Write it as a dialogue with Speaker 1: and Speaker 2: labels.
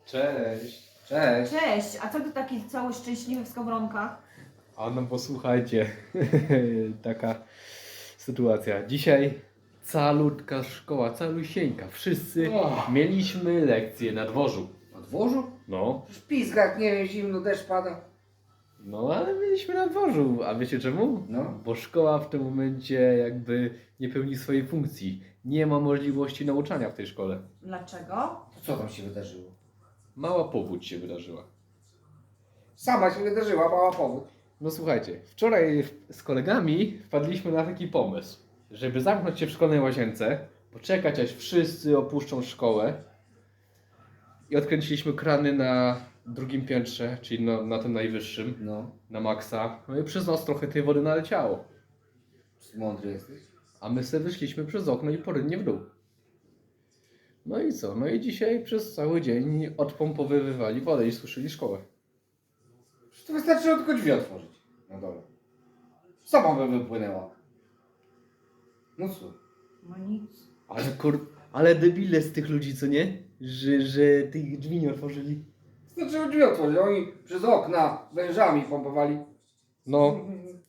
Speaker 1: Cześć.
Speaker 2: Cześć.
Speaker 3: Cześć, a co ty taki cały szczęśliwy w skowronkach?
Speaker 1: A no posłuchajcie, taka sytuacja. Dzisiaj calutka szkoła, calusieńka. Wszyscy mieliśmy lekcje na dworzu.
Speaker 2: Na dworzu?
Speaker 1: No,
Speaker 2: Szpizgak, nie wiem, zimno, deszcz pada.
Speaker 1: no ale mieliśmy na dworzu. A wiecie czemu?
Speaker 2: No.
Speaker 1: Bo szkoła w tym momencie jakby nie pełni swojej funkcji. Nie ma możliwości nauczania w tej szkole.
Speaker 3: Dlaczego?
Speaker 2: To co tam się wydarzyło?
Speaker 1: Mała powódź się wydarzyła.
Speaker 2: Sama się wydarzyła, mała powód.
Speaker 1: No słuchajcie, wczoraj z kolegami wpadliśmy na taki pomysł, żeby zamknąć się w szkolnej łazience, poczekać aż wszyscy opuszczą szkołę i odkręciliśmy krany na drugim piętrze, czyli na tym najwyższym,
Speaker 2: No.
Speaker 1: na maksa. No i przez nas trochę tej wody naleciało,
Speaker 2: Mądry jesteś.
Speaker 1: a my sobie wyszliśmy przez okno i porynnie w dół. No i co? No i dzisiaj przez cały dzień odpompowywali wodę i suszyli szkołę.
Speaker 2: Przecież to wystarczyło tylko drzwi otworzyć na dole. Sama by wypłynęła. No co?
Speaker 3: No nic.
Speaker 1: Ale debile z tych ludzi, co nie? Że tych drzwi nie otworzyli.
Speaker 2: Wystarczyło drzwi otworzyć. Oni przez okna wężami pompowali.
Speaker 1: No,